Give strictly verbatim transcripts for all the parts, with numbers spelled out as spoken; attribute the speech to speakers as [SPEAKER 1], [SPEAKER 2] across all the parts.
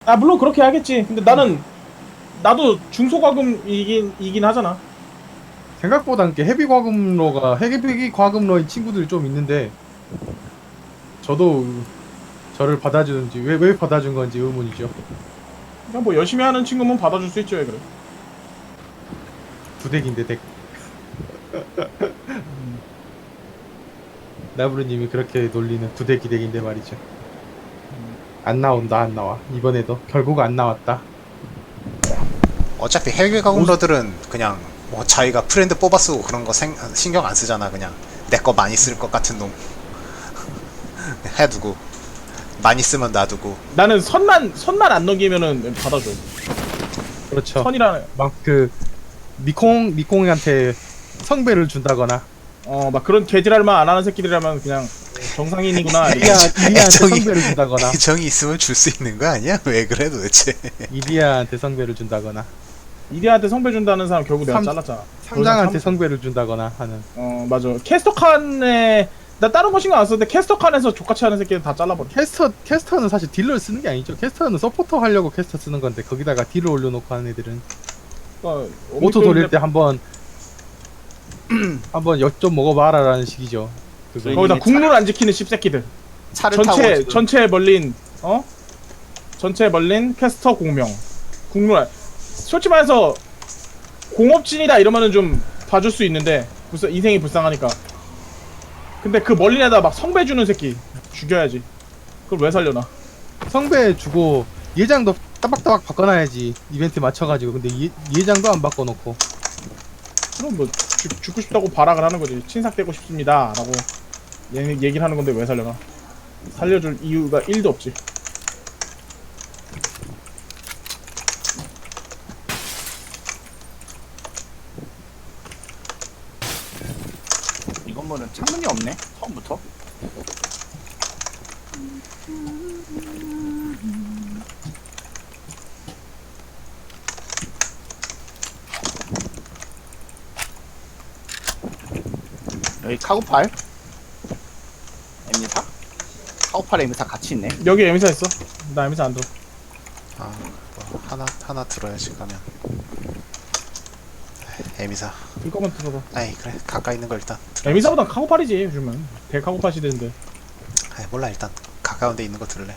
[SPEAKER 1] 아 물론 그렇게 하겠지. 근데 나는 나도 중소과금이긴 이긴 하잖아.
[SPEAKER 2] 생각보다 이렇게 헤비 과금러가 헤비 과금러인 친구들이 좀 있는데 저도 저를 받아주는지 왜 왜 받아준 건지 의문이죠.
[SPEAKER 1] 그냥 뭐 열심히 하는 친구면 받아줄 수 있죠. 왜 그래?
[SPEAKER 2] 부대기인데 덱. 나부르님이 그렇게 놀리는 부대기 덱인데 말이죠. 안 나온다 안 나와. 이번에도 결국 안 나왔다.
[SPEAKER 3] 어차피 해외 가공러들은 그냥 뭐 자기가 프렌드 뽑아 쓰고 그런 거 생, 신경 안 쓰잖아. 그냥 내 거 많이 쓸 것 같은 놈 해두고 많이 쓰면 놔두고.
[SPEAKER 1] 나는 선만 선만 안 넘기면은 받아줘.
[SPEAKER 2] 그렇죠.
[SPEAKER 1] 선이라는
[SPEAKER 2] 막 그 미콩 미콩한테 성배를 준다거나
[SPEAKER 1] 어 막 그런 개지랄만 안 하는 새끼들이라면 그냥 정상인이구나. 이렇게.
[SPEAKER 2] 이리아 이리아한테
[SPEAKER 3] 애정이
[SPEAKER 2] 성배를 준다거나
[SPEAKER 3] 애정이 있으면 줄 수 있는 거 아니야? 왜 그래 도대체?
[SPEAKER 2] 이리아한테 성배를 준다거나
[SPEAKER 1] 이리한테 성배 준다는 사람 결국 내가
[SPEAKER 2] 삼-
[SPEAKER 1] 잘랐잖아.
[SPEAKER 2] 삼장한테
[SPEAKER 1] 삼-
[SPEAKER 2] 성배를 준다거나 하는.
[SPEAKER 1] 어 맞아. 캐스터 칸에 나 다른 거 신경 안 썼는데 캐스터 칸에서 족같이 하는 새끼들 다 잘라버려.
[SPEAKER 2] 캐스터 캐스터는 사실 딜러를 쓰는 게 아니죠. 캐스터는 서포터 하려고 캐스터 쓰는 건데 거기다가 딜을 올려놓고 하는 애들은
[SPEAKER 1] 그러니까
[SPEAKER 2] 오토 돌릴 때 한번 한번 엿 좀 먹어봐라라는 식이죠. 그거.
[SPEAKER 1] 거기다 국룰 안 지키는 씹새끼들.
[SPEAKER 4] 차를 타고
[SPEAKER 1] 전체
[SPEAKER 4] 지금
[SPEAKER 1] 전체에 멀린 어 전체에 멀린 캐스터 공명 국룰 안- 솔직히 말해서 공업진이다 이러면은 좀 봐줄 수 있는데 불쌍 인생이 불쌍하니까. 근데 그 멀린 애다 막 성배 주는 새끼 죽여야지. 그걸 왜 살려나?
[SPEAKER 2] 성배 주고 예장도 따박따박 바꿔놔야지 이벤트 맞춰가지고. 근데 예, 예장도 안 바꿔놓고.
[SPEAKER 1] 그럼 뭐 죽, 죽고 싶다고 발악을 하는 거지. 친삭되고 싶습니다 라고 얘, 얘기를 하는 건데 왜 살려나? 살려줄 이유가 일도 없지.
[SPEAKER 4] 이 건물은 창문이 없네 처음부터. 여기 카고팔 엠니사 카고팔 엠니사 같이 있네.
[SPEAKER 1] 여기 에미사 있어. 나 에미사 안 들어.
[SPEAKER 3] 아, 뭐 하나 하나 들어야지 가면. 에미사.
[SPEAKER 1] 들 거면 들어봐.
[SPEAKER 3] 아이 그래 가까이 있는 거 일단. 들어야지.
[SPEAKER 1] 에미사보단 카고팔이지 요즘은. 대카고팔 시대인데.
[SPEAKER 3] 아이 몰라 일단 가까운 데 있는 거 들래.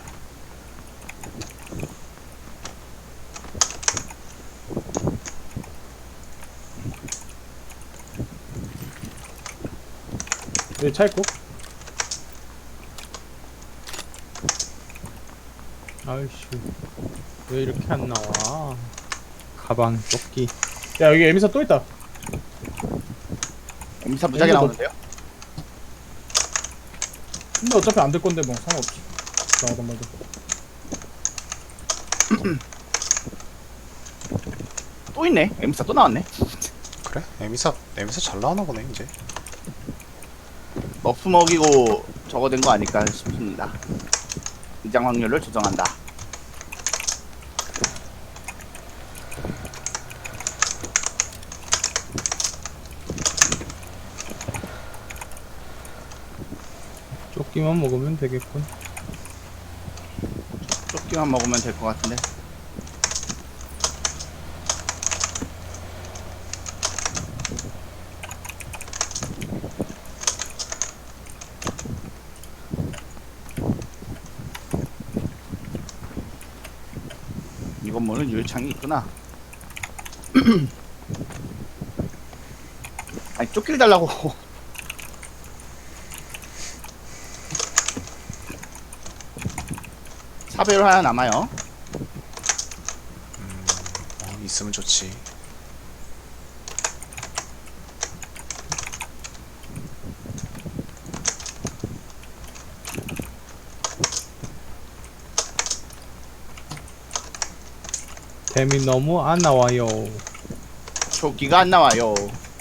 [SPEAKER 1] 여기 차 있고.
[SPEAKER 2] 아이씨 왜 이렇게 안 나와. 가방 조끼.
[SPEAKER 1] 야 여기 에미사 또 있다.
[SPEAKER 4] 엠니사 무지하게
[SPEAKER 1] 엠니사
[SPEAKER 4] 나오는데요?
[SPEAKER 1] 근데 어차피 안 될 건데 뭐 상관없지. 나가던 말도.
[SPEAKER 4] 또 있네. 엠니사 또 나왔네.
[SPEAKER 3] 그래? 에미사 에미사 잘 나오나 보네 이제.
[SPEAKER 4] 버프 먹이고 저거 된 거 아닐까 싶습니다. 이장 확률을 조정한다.
[SPEAKER 2] 조끼만 먹으면 되겠군.
[SPEAKER 4] 조끼만 먹으면 될 것 같은데. 이 건물은 유리창이 있구나. 아니 쫓길 달라고. 사배율 하나 남아요.
[SPEAKER 3] 어, 있으면 좋지.
[SPEAKER 2] 뱀이 너무 안 나와요.
[SPEAKER 4] 조끼가 안 나와요.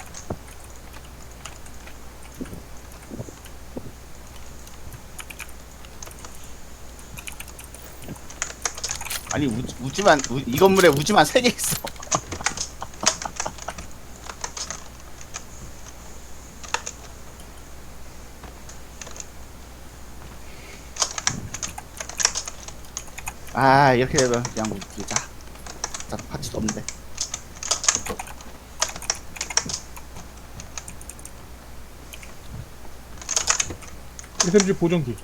[SPEAKER 4] 아니 우, 우지만 우, 이 건물에 우지만 세 개 있어. 아 이렇게 되면 그냥 우리자. 자 파츠도 없는데.
[SPEAKER 1] 에스엠지 보정기.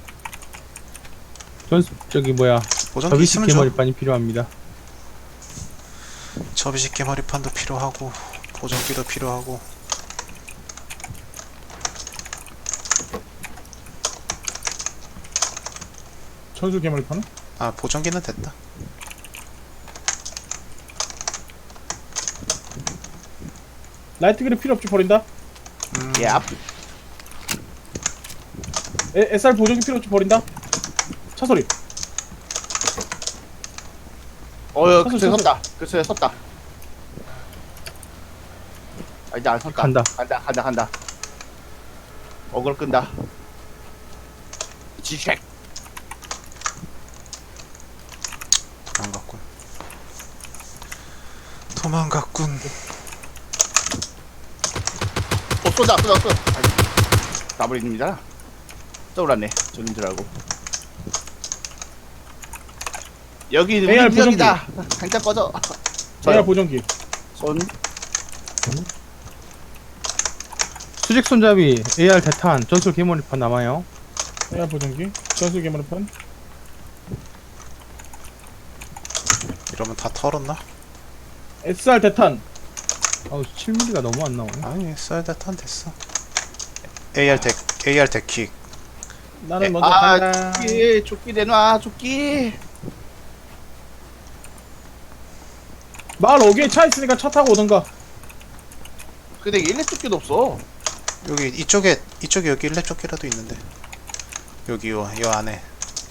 [SPEAKER 2] 전수 저기 뭐야
[SPEAKER 3] 보정기
[SPEAKER 2] 접이식
[SPEAKER 3] 있으면 줘.
[SPEAKER 2] 개머리판이 필요합니다.
[SPEAKER 3] 접이식 개머리판도 필요하고 보정기도 필요하고.
[SPEAKER 1] 전술 개머리판은?
[SPEAKER 3] 아 보정기는 됐다.
[SPEAKER 1] 라이트 그립 필요 없지 버린다.
[SPEAKER 3] 음,
[SPEAKER 4] 예. 앞.
[SPEAKER 1] 에, 에스알 보정기 필요 없지 버린다. 차 소리.
[SPEAKER 4] 어여
[SPEAKER 1] 서서,
[SPEAKER 4] 그쪽에
[SPEAKER 1] 서서.
[SPEAKER 4] 섰다. 그쪽에 섰다. 아 이제 안 섰다.
[SPEAKER 2] 간다.
[SPEAKER 4] 간다 간다 간다. 어글 끈다. 지색.
[SPEAKER 3] 도망갔군. 도망갔군.
[SPEAKER 4] 어 쏜다 쏜다 쏜다. 나버립니다. 떠올랐네. 저긴 줄 알고. 여기 우리
[SPEAKER 1] 에이알
[SPEAKER 4] 구역이다. 당장 꺼져.
[SPEAKER 1] 에이알
[SPEAKER 4] 저요.
[SPEAKER 1] 보정기.
[SPEAKER 4] 손.
[SPEAKER 2] 수직 손잡이 에이알 대탄 전술 개머리판 남아요.
[SPEAKER 1] 에이알 보정기. 전술 개머리판.
[SPEAKER 3] 이러면 다 털었나?
[SPEAKER 1] 에스알 대탄.
[SPEAKER 2] 아우 칠 밀리미터가 너무 안 나오네.
[SPEAKER 3] 아니 쌀다탄 됐어. 에이알 덱 에이알 덱킥.
[SPEAKER 1] 나는
[SPEAKER 3] 에,
[SPEAKER 1] 먼저
[SPEAKER 4] 아
[SPEAKER 1] 간다.
[SPEAKER 4] 조끼 조끼 내놔 조끼.
[SPEAKER 1] 마을 어귀에 차 있으니까 차 타고 오던가.
[SPEAKER 4] 근데 일렙 조끼도 없어.
[SPEAKER 3] 여기 이쪽에 이쪽에 여기 일렙 조끼라도 있는데. 여기 요, 요 안에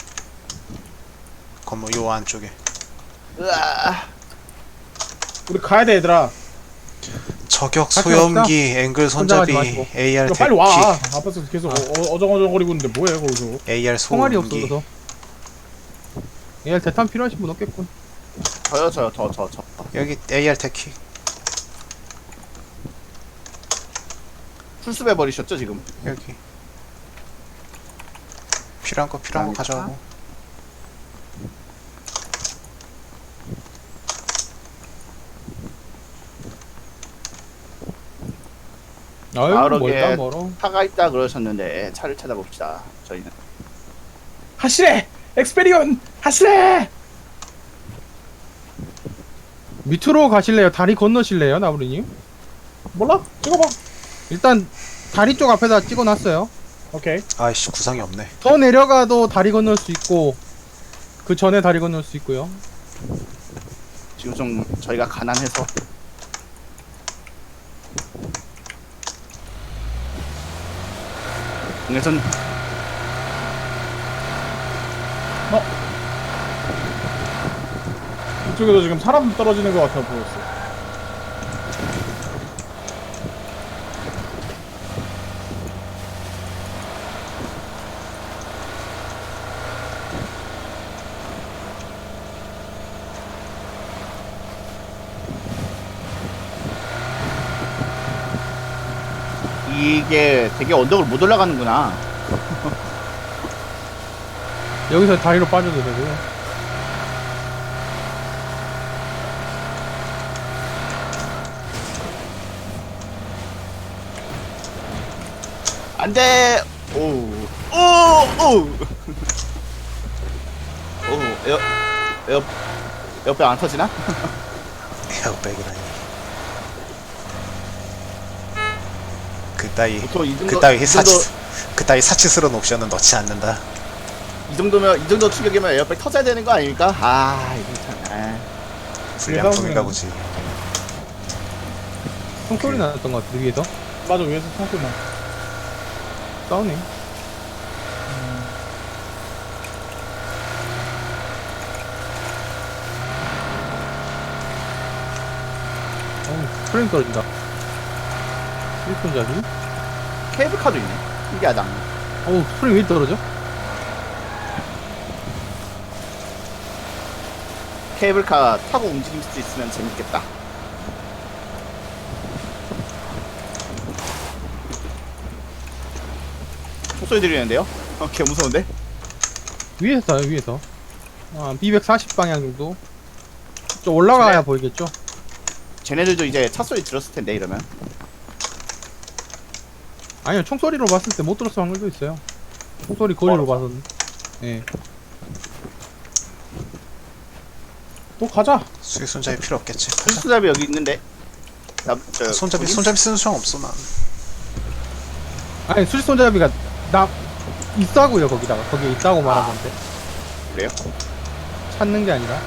[SPEAKER 3] 건물 요 안쪽에.
[SPEAKER 4] 으아.
[SPEAKER 1] 우리 가야 돼 얘들아.
[SPEAKER 3] 저격
[SPEAKER 2] 같이
[SPEAKER 3] 소염기 앵글
[SPEAKER 2] 혼자 가지
[SPEAKER 3] 손잡이
[SPEAKER 2] 마시고.
[SPEAKER 3] 에이알
[SPEAKER 1] 이거 빨리 와.
[SPEAKER 3] 덱킥
[SPEAKER 1] 앞에서 계속 어, 어, 어정어정거리고 있는데 뭐해 거기서.
[SPEAKER 3] 에이알
[SPEAKER 2] 총알이
[SPEAKER 3] 소음기.
[SPEAKER 2] 없어서. 에이알 대탄 필요하신 분 없겠군.
[SPEAKER 4] 저요 저요 저 저 저.
[SPEAKER 3] 여기 에이알 덱킥.
[SPEAKER 4] 풀숲해 버리셨죠 지금?
[SPEAKER 3] 여기 필요한 거 필요한 거
[SPEAKER 4] 감사합니다.
[SPEAKER 3] 가져가고.
[SPEAKER 2] 아유
[SPEAKER 4] 마을역에
[SPEAKER 2] 멀다 멀어.
[SPEAKER 4] 차가 있다 그러셨는데 차를 찾아봅시다. 저희는
[SPEAKER 1] 하시래. 엑스페리온 하시래.
[SPEAKER 2] 밑으로 가실래요? 다리 건너실래요, 나부리님?
[SPEAKER 1] 몰라? 찍어봐.
[SPEAKER 2] 일단 다리 쪽 앞에다 찍어놨어요.
[SPEAKER 1] 오케이.
[SPEAKER 3] 아이씨 구상이 없네.
[SPEAKER 2] 더 내려가도 다리 건널 수 있고 그 전에 다리 건널 수 있고요.
[SPEAKER 4] 지금 좀 저희가 가난해서 그래선
[SPEAKER 1] 이쪽에도 지금 사람 떨어지는 것 같아 보였어.
[SPEAKER 4] 이게 되게 언덕을 못 올라가는구나.
[SPEAKER 2] 여기서 다리로 빠져도 되고요.
[SPEAKER 4] 안돼. 오오오 오 에어 에어 에어백 안 터지나?
[SPEAKER 3] 에어백이라니. 그따위
[SPEAKER 4] 보통 이 정도
[SPEAKER 3] 그따위
[SPEAKER 4] 이
[SPEAKER 3] 사치
[SPEAKER 4] 정도
[SPEAKER 3] 그따위 사치스러운 옵션은 넣지 않는다.
[SPEAKER 4] 이 정도면 이 정도 충격이면 에어백 터져야 되는 거 아닙니까? 아 이거 참. 아.
[SPEAKER 3] 불량품인가 보지.
[SPEAKER 2] 총소리 났던 것 같아, 위에서.
[SPEAKER 1] 맞아 위에서 총소리 나.
[SPEAKER 2] 싸우네. 어우, 프레임 떨어진다. 일손잡이?
[SPEAKER 4] 케이블카도 있네. 신기하다.
[SPEAKER 2] 어우, 프레임 왜 떨어져?
[SPEAKER 4] 케이블카 타고 움직일 수 있으면 재밌겠다. 총소리 들리는데요? 어, 개 무서운데?
[SPEAKER 2] 위에서 싸요, 위에서. 아, 이백사십 방향 정도. 좀 올라가야
[SPEAKER 4] 그래.
[SPEAKER 2] 보이겠죠?
[SPEAKER 4] 쟤네들도 이제 차 소리 들었을 텐데 이러면.
[SPEAKER 2] 아니요, 총소리로 봤을 때 못 들었을 확률도 있어요. 총소리 거리로
[SPEAKER 4] 멀어서.
[SPEAKER 2] 봐서는. 예.
[SPEAKER 1] 또 가자.
[SPEAKER 3] 수익 손잡이 필요 없겠지. 가자.
[SPEAKER 4] 수수잡이 여기 있는데. 나, 저,
[SPEAKER 3] 손잡이
[SPEAKER 4] 거기?
[SPEAKER 3] 손잡이 쓰는 수영 없어 난.
[SPEAKER 2] 아니, 수직 손잡이가 나 있다고요, 거기다가. 거기에 있다고 말한 건데.
[SPEAKER 4] 그래요?
[SPEAKER 2] 찾는 게 아니라.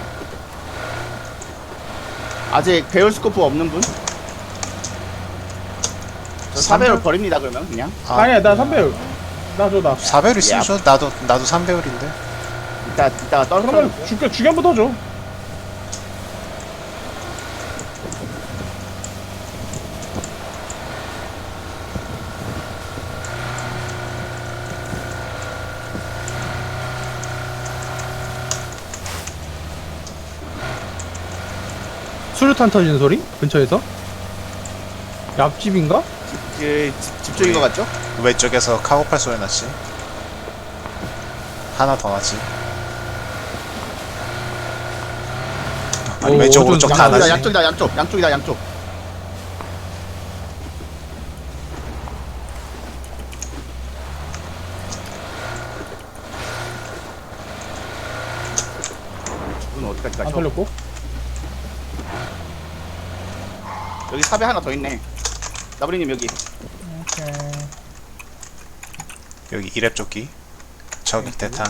[SPEAKER 4] 아직 배열 스코프 없는 분? 저
[SPEAKER 3] 삼 배율?
[SPEAKER 4] 사배율 버립니다 그러면 그냥.
[SPEAKER 3] 아,
[SPEAKER 1] 아니야 나 삼 배율. 나줘 나.
[SPEAKER 3] 사 배율 있으면
[SPEAKER 4] 야.
[SPEAKER 3] 줘. 나도 나도 삼 배율인데.
[SPEAKER 4] 이따 이따가 떨어뜨려.
[SPEAKER 1] 그러면 죽여 주견부터 줘.
[SPEAKER 2] 수류탄 터지는 소리? 근처에서? 옆집인가?
[SPEAKER 4] 그 집- 집중인 것 같죠?
[SPEAKER 3] 왼쪽에서 카고팔 소리 났지. 하나 더 났지. 아니
[SPEAKER 2] 오,
[SPEAKER 3] 왼쪽
[SPEAKER 2] 좀
[SPEAKER 3] 오른쪽 다
[SPEAKER 4] 양쪽이다
[SPEAKER 3] 나지.
[SPEAKER 4] 양쪽이다 양쪽 양쪽이다 양쪽. 이건 어디까지
[SPEAKER 1] 안
[SPEAKER 4] 가죠?
[SPEAKER 1] 털렸고.
[SPEAKER 4] 여기 삽에 하나 더 있네. 나브리님 여기.
[SPEAKER 1] 오케이.
[SPEAKER 3] 여기 이랩 조끼. 저기 대탄.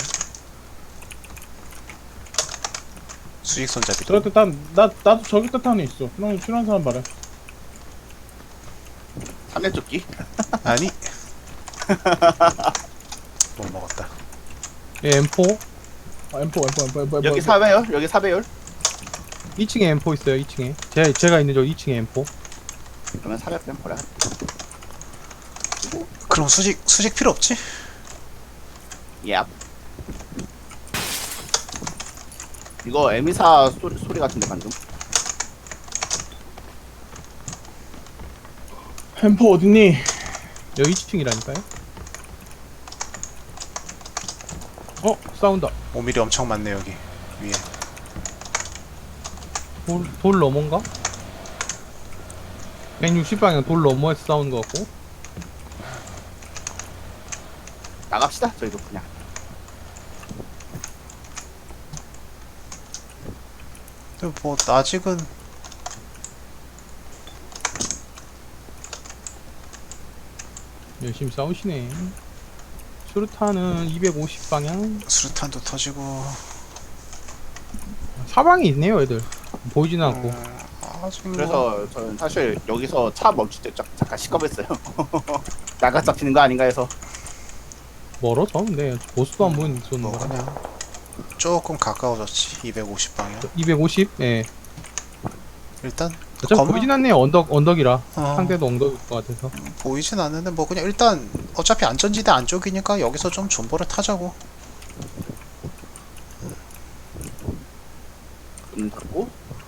[SPEAKER 3] 수직 손잡이.
[SPEAKER 1] 저기 뜻한 나 나도 저기 뜻한이 있어. 형 필요한 사람 말해.
[SPEAKER 4] 삼连조끼.
[SPEAKER 3] 아니. 못 먹었다.
[SPEAKER 2] 예, 엠포.
[SPEAKER 1] 아, 엠포 엠포 엠포 엠포.
[SPEAKER 4] 여기 사배열 여기 사배열.
[SPEAKER 2] 이 층에 엠포 있어요, 이 층에. 제, 제가 있는 저 이 층에 엠포.
[SPEAKER 4] 그러면 사배 뺀 버려.
[SPEAKER 3] 그럼 수직 수직 필요 없지?
[SPEAKER 4] 예. 이거 에미사 소리, 소리 같은데 방금.
[SPEAKER 1] 엠포 어딨니?
[SPEAKER 2] 여기 이 층이라니까요. 어, 싸운다.
[SPEAKER 3] 오 밀리미터 엄청 많네 여기 위에.
[SPEAKER 2] 돌, 돌 넘어인가? 백육십 방향 돌 넘어에서 싸우는 것 같고.
[SPEAKER 4] 나갑시다 저희도 그냥.
[SPEAKER 3] 근데 뭐 아직은
[SPEAKER 2] 열심히 싸우시네. 수류탄은 이백오십 방향.
[SPEAKER 3] 수류탄도 터지고.
[SPEAKER 2] 사방이 있네요, 애들. 보이지는 않고.
[SPEAKER 3] 음, 아직 뭐
[SPEAKER 4] 그래서 저는 사실 여기서 차 멈출 때 짝- 잠깐 시겁했어요. 나가 잡히는 거 아닌가 해서.
[SPEAKER 2] 멀어져, 근데. 보스도 안 보이는 쏘는
[SPEAKER 3] 뭐
[SPEAKER 2] 거라.
[SPEAKER 3] 그냥 조금 가까워졌지. 이백오십 방향.
[SPEAKER 2] 이백오십? 예.
[SPEAKER 3] 일단
[SPEAKER 2] 어차피
[SPEAKER 3] 건물-
[SPEAKER 2] 보이진 않네요, 언덕, 언덕이라.
[SPEAKER 3] 어,
[SPEAKER 2] 상대도 언덕일 것 같아서.
[SPEAKER 3] 보이진 않는데 뭐 그냥 일단 어차피 안전지대 안쪽이니까 여기서 좀 존버를 타자고.
[SPEAKER 4] 문 닫고.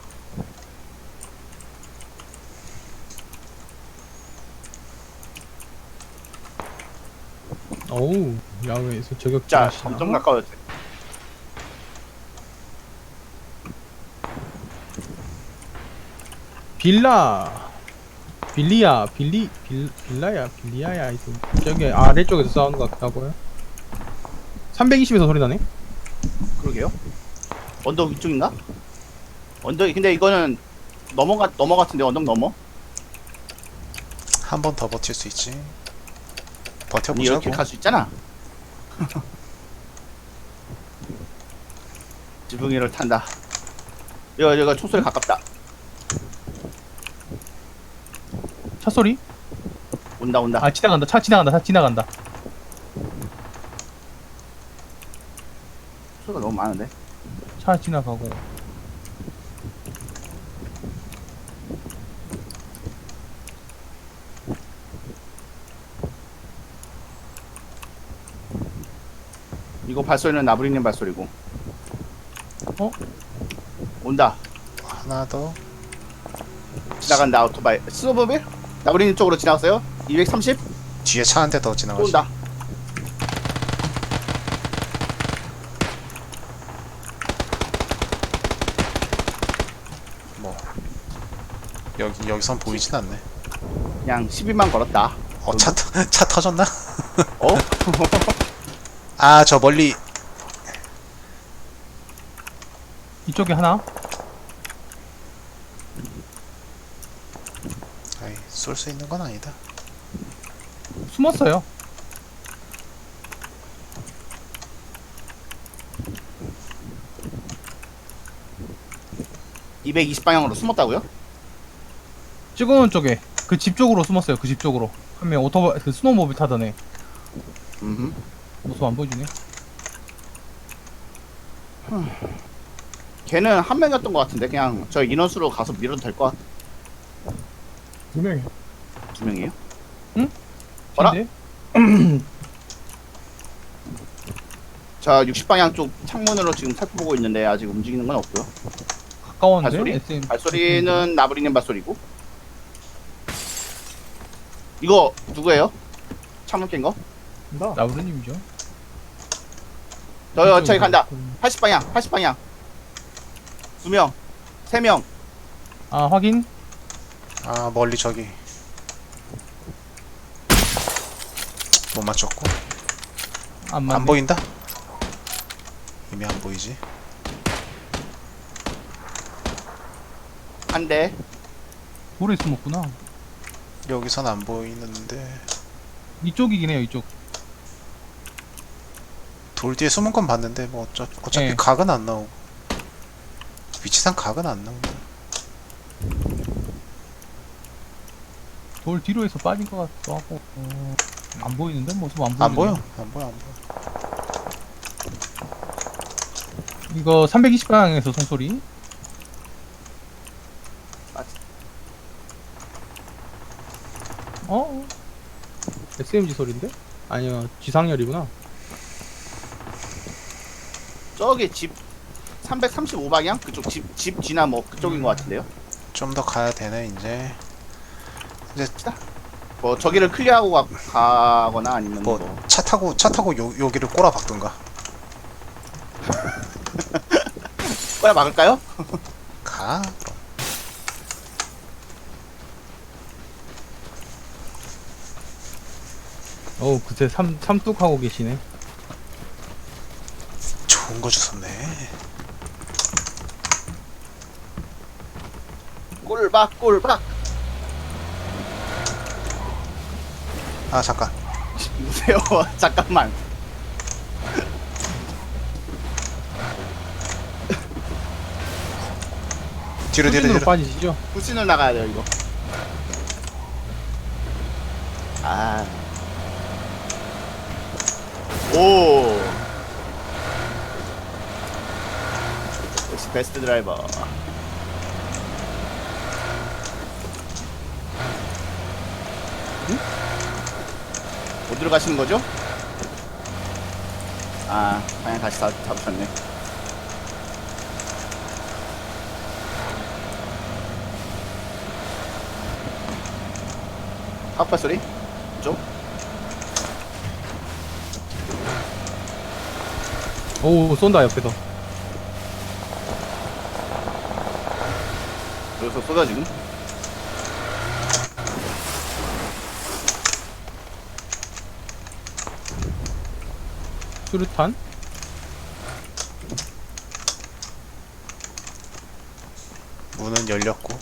[SPEAKER 2] 어우, 야외에서 저격자.
[SPEAKER 4] 자,
[SPEAKER 2] 하시나?
[SPEAKER 4] 점점 가까워졌어요.
[SPEAKER 2] 빌라. 빌리야, 빌리, 빌, 빌라야, 빌리야야, 하여튼. 저기 아래쪽에서 싸우는 것 같다고요? 삼백이십에서 소리 나네?
[SPEAKER 4] 그러게요. 언덕 위쪽인가? 언덕 근데 이거는 넘어가 넘어 같은데 언덕 넘어?
[SPEAKER 3] 한 번 더 버틸 수 있지.
[SPEAKER 4] 아니,
[SPEAKER 3] 버텨보자고.
[SPEAKER 4] 이렇게 갈 수 있잖아. 지붕이를 탄다. 이거 이거 총소리 가깝다.
[SPEAKER 2] 차 소리?
[SPEAKER 4] 온다 온다.
[SPEAKER 2] 아, 지나간다. 차 지나간다. 차 지나간다.
[SPEAKER 4] 소리가 너무 많은데.
[SPEAKER 2] 차 지나가고.
[SPEAKER 4] 이거 발소리는 나부리님 발소리고.
[SPEAKER 2] 어?
[SPEAKER 4] 온다.
[SPEAKER 3] 하나 더.
[SPEAKER 4] 지나간다 오토바이. 스노보빌? 나부리님 쪽으로 지나갔어요? 이백삼십?
[SPEAKER 3] 뒤에 차 한 대 더
[SPEAKER 4] 또
[SPEAKER 3] 지나가지.
[SPEAKER 4] 온다.
[SPEAKER 3] 뭐 여기 여기선 보이진 않네.
[SPEAKER 4] 그냥 십일만 걸었다.
[SPEAKER 3] 어, 차, 터- 차 터졌나?
[SPEAKER 4] 어?
[SPEAKER 3] 아, 저 멀리.
[SPEAKER 2] 이쪽에 하나.
[SPEAKER 3] 아이, 쏠 수 있는 건 아니다.
[SPEAKER 2] 숨었어요.
[SPEAKER 4] 이백이십 방향으로 숨었다고요?
[SPEAKER 2] 찍어놓은 쪽에 그 집 쪽으로 숨었어요. 그 집 쪽으로. 한 명 오토바이 그 스노우모빌 타던 애.
[SPEAKER 4] 음.
[SPEAKER 2] 모습 안 보여주네.
[SPEAKER 4] 걔는 한 명이었던 것 같은데 그냥 저 인원수로 가서 밀어도 될 것 같아.
[SPEAKER 1] 두 명이.
[SPEAKER 4] 두 명이에요?
[SPEAKER 2] 어라?
[SPEAKER 4] 자 육십 방향 쪽 창문으로 지금 살펴보고 있는데 아직 움직이는 건 없고요.
[SPEAKER 2] 가까웠는데.
[SPEAKER 4] 발소리?
[SPEAKER 2] 에스엠.
[SPEAKER 4] 발소리는 나부리님 발소리고. 이거 누구예요? 창문 깬 거?
[SPEAKER 1] 나.
[SPEAKER 2] 나우르님이죠.
[SPEAKER 4] 저 저기 간다. 팔십 방향, 팔십 방향. 두 명, 세 명.
[SPEAKER 2] 아 확인.
[SPEAKER 3] 아, 멀리 저기. 못 맞췄고.
[SPEAKER 2] 안 맞네.
[SPEAKER 3] 안 보인다? 이미 안 보이지?
[SPEAKER 4] 한 대.
[SPEAKER 2] 돌에 숨었구나.
[SPEAKER 3] 여기선 안 보이는데.
[SPEAKER 2] 이쪽이긴 해요. 이쪽.
[SPEAKER 3] 돌 뒤에 숨은 건 봤는데, 뭐, 어차, 어차피
[SPEAKER 2] 네.
[SPEAKER 3] 각은 안 나오고. 위치상 각은 안 나온다.
[SPEAKER 2] 돌 뒤로 해서 빠진 것 같기도 하고. 어, 안 보이는데 모습 안 보이네.
[SPEAKER 3] 안 보여? 안 보여, 안 보여.
[SPEAKER 2] 이거 삼백이십 방향에서 송소리. 어? 에스엠지 소리인데? 아니요, 지상열이구나.
[SPEAKER 4] 저기 집 삼백삼십오 방향? 그쪽 집, 집 뒤나 뭐 그쪽인 것 같은데요?
[SPEAKER 3] 좀 더 가야 되네, 이제. 이제,
[SPEAKER 4] 뭐 저기를 클리어하고 가, 가거나 아니면 뭐,
[SPEAKER 3] 뭐, 차 타고, 차 타고 요, 여기를 꼬라 박던가.
[SPEAKER 4] 꺼야 막을까요?
[SPEAKER 3] 가, 그럼.
[SPEAKER 2] 어우, 그새 삼, 삼뚝하고 계시네.
[SPEAKER 3] 좋은 거 주셨네.
[SPEAKER 4] 꼴박 꼴박.
[SPEAKER 3] 아, 잠깐.
[SPEAKER 4] 누구세요? 잠깐만.
[SPEAKER 3] 뒤로, 뒤로,
[SPEAKER 2] 후진으로
[SPEAKER 3] 뒤로.
[SPEAKER 2] 빠지시죠?
[SPEAKER 4] 후진을 나가야 돼요 이거. 아. 오. 역시 베스트 드라이버. 어디로 가시는 거죠? 아, 그냥 다시 다 잡으셨네. 아빠 소리? 좀?
[SPEAKER 2] 오, 쏜다, 옆에서.
[SPEAKER 4] 여기서 쏟아 지금?
[SPEAKER 2] 수류탄?
[SPEAKER 3] 문은 열렸고.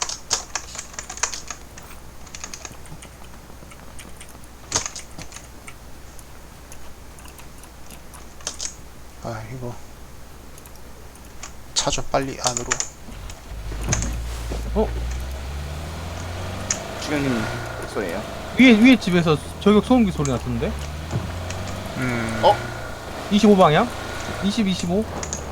[SPEAKER 3] 아, 이거. 차 좀 빨리 안으로.
[SPEAKER 4] 주경님 소리예요.
[SPEAKER 2] 위에, 위에 집에서 저격 소음기 소리 났던데?
[SPEAKER 3] 음.
[SPEAKER 4] 어?
[SPEAKER 2] 이십오 방향? 이십, 이십오?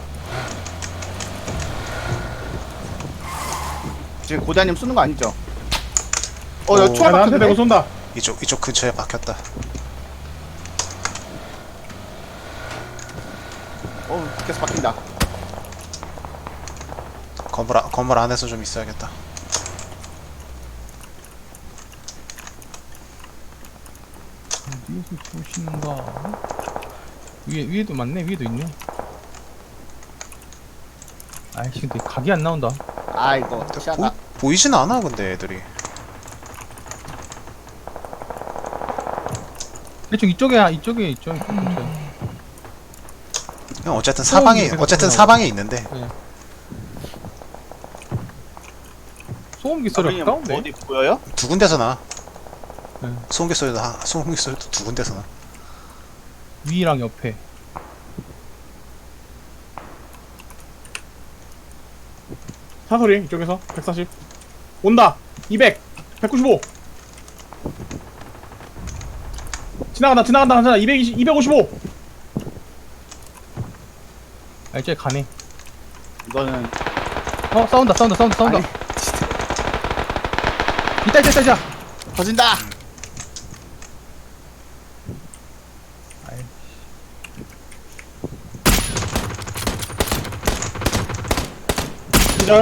[SPEAKER 4] 지금 고다님 쏘는 거 아니죠? 어,
[SPEAKER 3] 오.
[SPEAKER 4] 여기
[SPEAKER 1] 아,
[SPEAKER 4] 총알
[SPEAKER 1] 나한테
[SPEAKER 4] 박혔네?
[SPEAKER 1] 대고 쏜다.
[SPEAKER 3] 이쪽, 이쪽 근처에 박혔다.
[SPEAKER 4] 어, 계속 박힌다.
[SPEAKER 3] 건물, 아, 건물 안에서 좀 있어야겠다.
[SPEAKER 2] 위에서 쏘시는가? 위에, 위에도 많네, 위에도 있네. 아이씨, 근데 각이 안 나온다.
[SPEAKER 4] 아 이거
[SPEAKER 3] 보,
[SPEAKER 4] 시야가
[SPEAKER 3] 보이진 않아 근데 애들이.
[SPEAKER 2] 대충 이쪽에 이쪽에 있죠. 근처에.
[SPEAKER 3] 그냥 어쨌든 사방에
[SPEAKER 2] 계속
[SPEAKER 3] 어쨌든
[SPEAKER 2] 나오고.
[SPEAKER 3] 사방에 있는데.
[SPEAKER 2] 소음기 소리
[SPEAKER 4] 선생님
[SPEAKER 2] 가까운데.
[SPEAKER 4] 어디 보여요?
[SPEAKER 3] 두 군데서 나.
[SPEAKER 2] 네.
[SPEAKER 3] 소음기 소리도 하, 소음기 소리도 두 군데서 나.
[SPEAKER 2] 위랑 옆에.
[SPEAKER 1] 사소리 이쪽에서 백사십 온다. 이백 백구십오 지나간다 지나간다 괜찮아. 이백이십 이백오십오
[SPEAKER 2] 아 이제 가네.
[SPEAKER 4] 이거는
[SPEAKER 2] 어 싸운다 싸운다 싸운다 싸운다.
[SPEAKER 4] 아니,
[SPEAKER 2] 이따 이따 이따 이따.
[SPEAKER 4] 터진다.
[SPEAKER 2] 아이.
[SPEAKER 1] 기절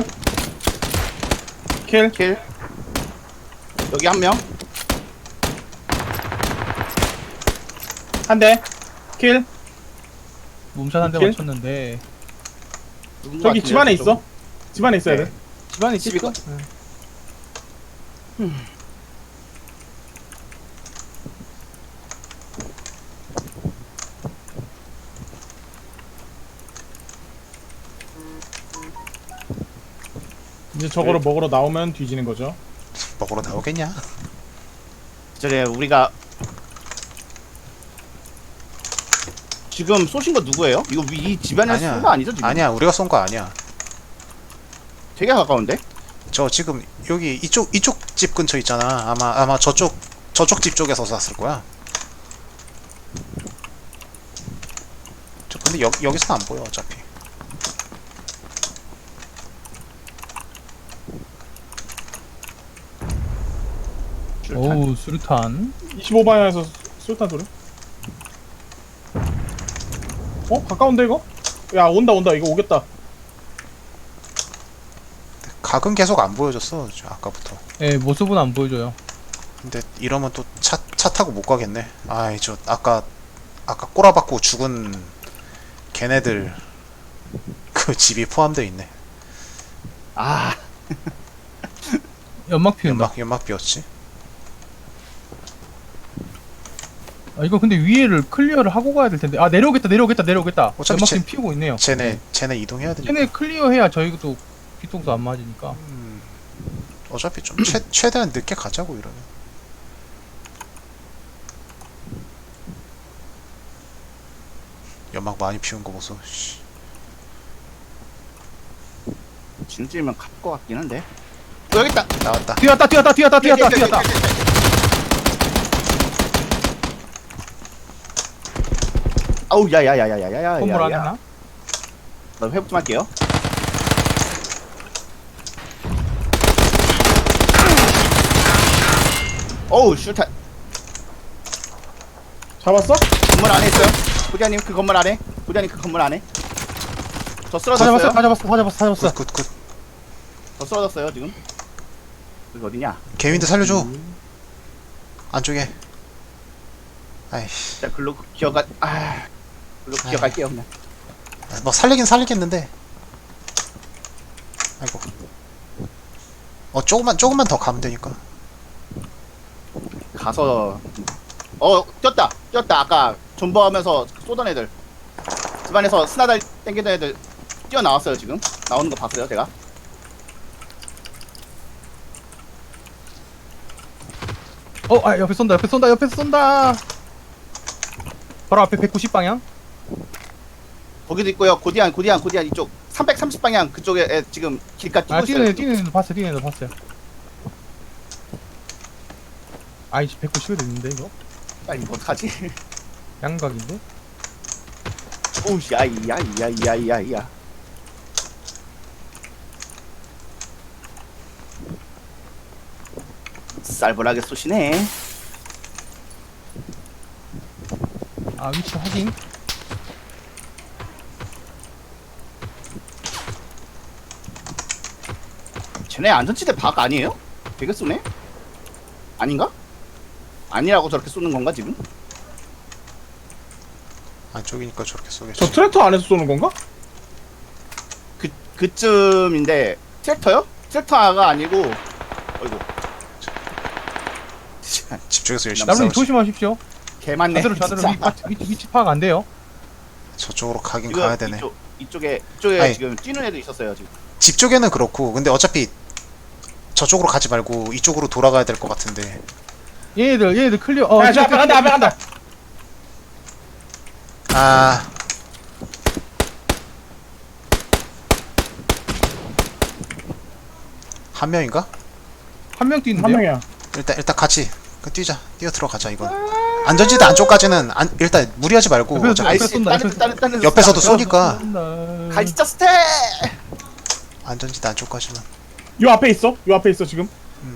[SPEAKER 1] 킬
[SPEAKER 4] 킬. 여기 한 명.
[SPEAKER 1] 한대 킬
[SPEAKER 2] 몸샷 한 대
[SPEAKER 1] 킬?
[SPEAKER 2] 맞췄는데
[SPEAKER 4] 누군 것
[SPEAKER 1] 저기
[SPEAKER 4] 같은데요,
[SPEAKER 1] 집 안에
[SPEAKER 4] 저쪽?
[SPEAKER 1] 있어. 집 안에 있어야
[SPEAKER 4] 네.
[SPEAKER 1] 돼.
[SPEAKER 2] 집안에
[SPEAKER 4] 집이가-
[SPEAKER 2] 있겠죠? 네.
[SPEAKER 1] 이제 저거를 먹으러 나오면 뒤지는 거죠.
[SPEAKER 3] 먹으러 나오겠냐?
[SPEAKER 4] 저기 우리가 지금 쏘신 거 누구예요? 이거 위- 이 집안에서 쏜 거 아니죠 지금?
[SPEAKER 3] 아니야 우리가 쏜 거 아니야.
[SPEAKER 4] 되게 가까운데?
[SPEAKER 3] 저 지금 여기 이쪽 이쪽 집 근처 있잖아. 아마 아마 저쪽 저쪽 집 쪽에서 쐈을 거야. 저 근데 여, 여기서는 안 보여 어차피.
[SPEAKER 2] 오우 수류탄.
[SPEAKER 1] 이십오 방향에서 술탄 소리. 어? 가까운데 이거? 야 온다 온다 이거 오겠다.
[SPEAKER 3] 각은 계속 안 보여줬어 저 아까부터.
[SPEAKER 2] 예 모습은 안 보여줘요.
[SPEAKER 3] 근데 이러면 또 차 차 타고 못 가겠네. 아이 저 아까 아까 꼬라박고 죽은 걔네들 그 집이 포함되어 있네.
[SPEAKER 4] 아
[SPEAKER 2] 연막 피운다.
[SPEAKER 3] 연막 연막 비었지.
[SPEAKER 2] 아 이거 근데 위에를 클리어를 하고 가야 될 텐데. 아 내려오겠다 내려오겠다 내려오겠다.
[SPEAKER 3] 어차피
[SPEAKER 2] 연막
[SPEAKER 3] 제-
[SPEAKER 2] 지금 피우고 있네요.
[SPEAKER 3] 쟤네 쟤네 이동해야 되니까.
[SPEAKER 2] 쟤네 클리어해야 저희도 뒤통수 안 맞으니까.
[SPEAKER 3] 음, 어차피 좀 최, 최대한 늦게 가자고 이러면. 연막 많이 피운 거 보소. 씨.
[SPEAKER 4] 진짜면 갈 것 같긴 한데. 어, 여기 있다.
[SPEAKER 3] 나왔다.
[SPEAKER 2] 뛰었다 뛰었다 뛰었다 뛰었다 뛰었다.
[SPEAKER 4] 아우 야야야야야야야.
[SPEAKER 2] 건물 안에 하나?
[SPEAKER 4] 나 회복 좀 할게요. 어우 슈타
[SPEAKER 1] 잡았어?
[SPEAKER 4] 건물 안에 있어요. 부자님 그 건물 안에. 부자님 그 건물 안에. 저
[SPEAKER 2] 다 잡았어
[SPEAKER 4] 쓰러졌어요.
[SPEAKER 2] 다 잡았어 다 잡았어 다 잡았어.
[SPEAKER 3] 굿굿굿.
[SPEAKER 4] 저 쓰러졌어요 지금. 여기 어디냐?
[SPEAKER 3] 개윈드 살려줘. 안쪽에. 아이씨.
[SPEAKER 4] 자 글로 기어가. 아 글로 기어갈게요 그냥.
[SPEAKER 3] 뭐 살리긴 살리겠는데. 아이고. 어 조금만 조금만 더 가면 되니까.
[SPEAKER 4] 가서 어 뛰었다 뛰었다 아까 존버하면서 쏘던 애들 집안에서 스나달 땡기던 애들 뛰어나왔어요 지금 나오는 거 봤어요 제가.
[SPEAKER 2] 어아 옆에 쏜다 옆에 쏜다 옆에 쏜다. 바로 앞에 백구십 방향.
[SPEAKER 4] 거기도 있고요. 고디안 고디안 고디안 이쪽 삼백삼십 방향 그쪽에 애 지금 길가 뛰고
[SPEAKER 2] 아
[SPEAKER 4] 있어요.
[SPEAKER 2] 뛰는 애
[SPEAKER 4] 지금.
[SPEAKER 2] 뛰는 애도 봤어요 뛰는 애도 봤어요. 아이씨 백구십이 됐는데 이거
[SPEAKER 4] 아 이거 어떡하지?
[SPEAKER 2] 양각인데.
[SPEAKER 4] 오우 야이야이야이야이야. 쌀벌하게 쏘시네.
[SPEAKER 2] 아 위치 확인.
[SPEAKER 4] 쟤네 안전지대 박 아니에요? 되게 쏘네? 아닌가? 아니라고 저렇게 쏘는 건가 지금?
[SPEAKER 3] 안쪽이니까 저렇게 쏘겠지.
[SPEAKER 1] 저 트랙터 안에서 쏘는 건가?
[SPEAKER 4] 그 그쯤인데 트랙터요? 트랙터가 아니고 어이구
[SPEAKER 3] 집중해서 열심히
[SPEAKER 2] 나무님
[SPEAKER 3] 싸우지.
[SPEAKER 2] 조심하십시오.
[SPEAKER 4] 개 많네.
[SPEAKER 2] 자대로 자대로 위, 위치, 위치 파악 안 돼요.
[SPEAKER 3] 저쪽으로 가긴
[SPEAKER 4] 이거
[SPEAKER 3] 가야 되네.
[SPEAKER 4] 이쪽, 이쪽에 이쪽에
[SPEAKER 3] 아니.
[SPEAKER 4] 지금 뛰는 애도 있었어요 지금.
[SPEAKER 3] 집 쪽에는 그렇고 근데 어차피 저쪽으로 가지 말고 이쪽으로 돌아가야 될 것 같은데.
[SPEAKER 2] 얘네들 얘네들 클리어. 어,
[SPEAKER 1] 야, 저 앞에 간다, 앞에 간다.
[SPEAKER 3] 아 한 명인가?
[SPEAKER 2] 한 명
[SPEAKER 1] 한
[SPEAKER 2] 뛰는데요.
[SPEAKER 1] 명이야.
[SPEAKER 3] 일단 일단 같이 그 뛰자. 뛰어 들어가자 이건. 안전지대 안쪽까지는 안, 일단 무리하지 말고
[SPEAKER 2] 옆에서
[SPEAKER 3] 어차피
[SPEAKER 2] 아이씨,
[SPEAKER 4] 아이씨
[SPEAKER 2] 쏜다,
[SPEAKER 4] 다른
[SPEAKER 2] 옆에서.
[SPEAKER 4] 다른 다른
[SPEAKER 3] 옆에서도 쏘니까
[SPEAKER 2] 쏜다.
[SPEAKER 4] 갈치자 스텝.
[SPEAKER 3] 안전지대 안쪽까지는.
[SPEAKER 1] 요 앞에 있어. 요 앞에 있어 지금.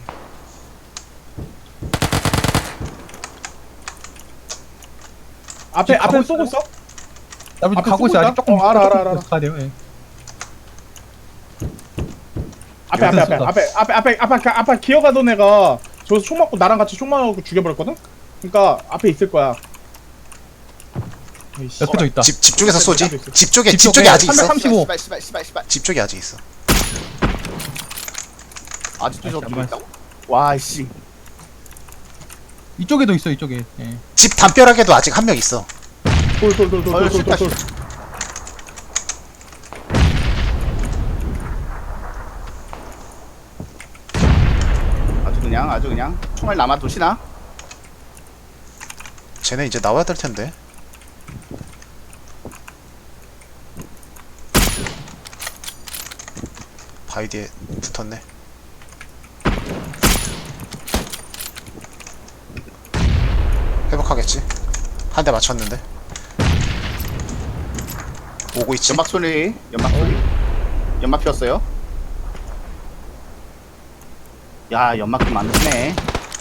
[SPEAKER 1] 앞에
[SPEAKER 2] 지금
[SPEAKER 1] 앞에
[SPEAKER 2] 가고
[SPEAKER 1] 쏘고
[SPEAKER 2] 있어요?
[SPEAKER 1] 있어?
[SPEAKER 2] 나무님
[SPEAKER 1] 앞에
[SPEAKER 2] 가고
[SPEAKER 1] 쏘고
[SPEAKER 2] 있어요. 아직
[SPEAKER 1] 있다?
[SPEAKER 2] 조금
[SPEAKER 1] 어, 알아,
[SPEAKER 2] 조금
[SPEAKER 1] 알아, 알아.
[SPEAKER 2] 가야 돼요. 예.
[SPEAKER 1] 앞에 앞에 앞에
[SPEAKER 2] 쏜다.
[SPEAKER 1] 앞에 앞에 앞에 앞에 앞에 앞에 기어가던 애가 저기서 총 맞고 나랑 같이 총 맞고 죽여버렸거든. 그러니까 앞에 있을 거야. 에이씨.
[SPEAKER 2] 옆에 저 있다.
[SPEAKER 3] 집, 집 쪽에서 쏘지?
[SPEAKER 1] 앞에 있어.
[SPEAKER 3] 집 쪽에
[SPEAKER 2] 집
[SPEAKER 3] 집
[SPEAKER 2] 쪽에
[SPEAKER 3] 쪽에 아직 있어.
[SPEAKER 2] 삼백삼십오.
[SPEAKER 4] 씨발 씨발 씨발 씨발.
[SPEAKER 3] 집 쪽에 아직 있어.
[SPEAKER 4] 아직도 저
[SPEAKER 2] 아이씨,
[SPEAKER 4] 뒤에
[SPEAKER 2] 안
[SPEAKER 4] 있다고? 와 씨.
[SPEAKER 2] 이쪽에도 있어 이쪽에. 예.
[SPEAKER 3] 집 담벼락에도 아직 한 명 있어.
[SPEAKER 1] 돌돌돌돌돌돌돌.
[SPEAKER 4] 아주 그냥 아주 그냥 총알 남아 도시나?
[SPEAKER 3] 쟤네 이제 나와야 될 텐데. 바위 뒤에 붙었네. 회복하겠지? 한 대 맞췄는데. 오고 있지?
[SPEAKER 4] 연막 소리 연막 소리 연막 피웠어요. 야 연막 좀 많으시네.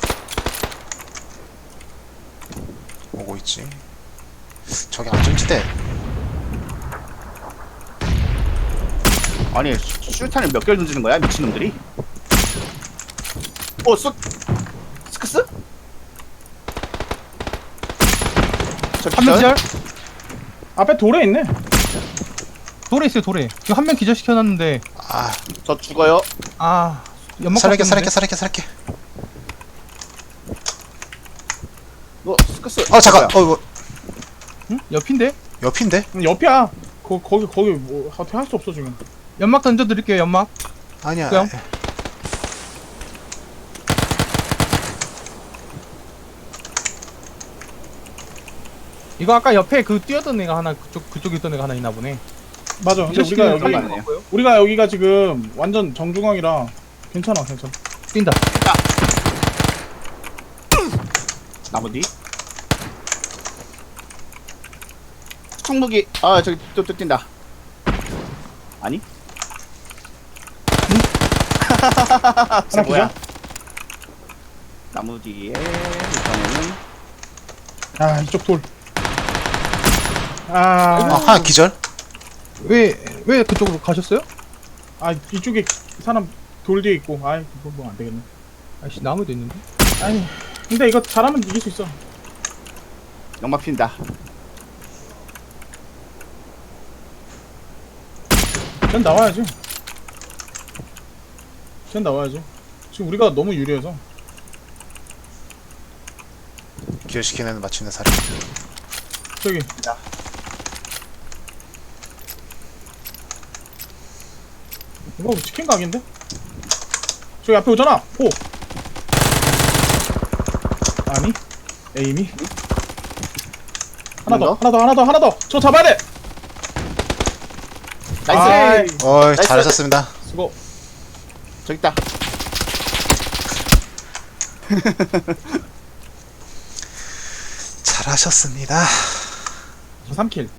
[SPEAKER 3] 오고 있지. 저기 안전지대.
[SPEAKER 4] 아니 슈- 슈탄을 몇 개를 던지는 거야 미친놈들이? 어 쏘 스크스? 저
[SPEAKER 2] 한 명 기절.
[SPEAKER 1] 앞에 돌에 있네.
[SPEAKER 2] 돌에 있어요 돌에. 지금 한 명 기절 시켜놨는데
[SPEAKER 3] 아,
[SPEAKER 4] 저 죽어요.
[SPEAKER 2] 아 연막
[SPEAKER 3] 살릴게,
[SPEAKER 2] 깎였는데?
[SPEAKER 3] 살릴게, 살릴게, 살릴게.
[SPEAKER 4] 너 스크스.
[SPEAKER 3] 어, 잠깐.
[SPEAKER 4] 뭐야?
[SPEAKER 3] 어, 이거
[SPEAKER 2] 응? 옆인데?
[SPEAKER 3] 옆인데?
[SPEAKER 1] 음, 옆이야. 거, 거기 거기 뭐 어떻게 할 수 없어 지금.
[SPEAKER 2] 연막 던져드릴게요 연막.
[SPEAKER 3] 아니야.
[SPEAKER 2] 그럼? 이거 아까 옆에 그 뛰었던 애가 하나 그쪽 그쪽에 있던 애가 하나 있나 보네.
[SPEAKER 1] 맞아. 근데 우리가
[SPEAKER 2] 기절시키는
[SPEAKER 1] 여기
[SPEAKER 4] 살리는
[SPEAKER 2] 살리는 거고요.
[SPEAKER 1] 우리가 여기가 지금 완전 정중앙이라 괜찮아, 괜찮아.
[SPEAKER 2] 뛴다.
[SPEAKER 4] 나무 뒤. 총무기. 아 저기 또, 또 뛴다. 아니?
[SPEAKER 1] 하나
[SPEAKER 4] 쟤 뭐야?
[SPEAKER 1] 기절?
[SPEAKER 4] 나무 뒤에 이번에는
[SPEAKER 1] 아 이쪽 돌.
[SPEAKER 3] 아,
[SPEAKER 1] 아,
[SPEAKER 3] 하나 기절?
[SPEAKER 2] 왜 왜 그쪽으로 가셨어요?
[SPEAKER 1] 아 이쪽에 사람 돌 뒤에 있고. 아이 이거 뭐 안 되겠네.
[SPEAKER 2] 아씨 나무도 있는데.
[SPEAKER 1] 아니 근데 이거 잘하면 이길 수 있어.
[SPEAKER 4] 연막 핀다.
[SPEAKER 1] 쟤는 나와야지. 쟤는 나와야지. 지금 우리가 너무 유리해서.
[SPEAKER 3] 기절시키는 맞추는 사람.
[SPEAKER 1] 저기 이거 치킨 각인데? 저기 앞에 오잖아. 오. 아니 에임이 하나 더,
[SPEAKER 4] 더?
[SPEAKER 1] 하나 더, 하나 더, 하나 더. 저 잡아야 돼.
[SPEAKER 4] 나이스.
[SPEAKER 1] 아이,
[SPEAKER 3] 어이,
[SPEAKER 4] 나이스.
[SPEAKER 3] 잘하셨습니다.
[SPEAKER 1] 수고.
[SPEAKER 4] 저기 있다.
[SPEAKER 3] 잘하셨습니다.
[SPEAKER 1] 저 삼 킬.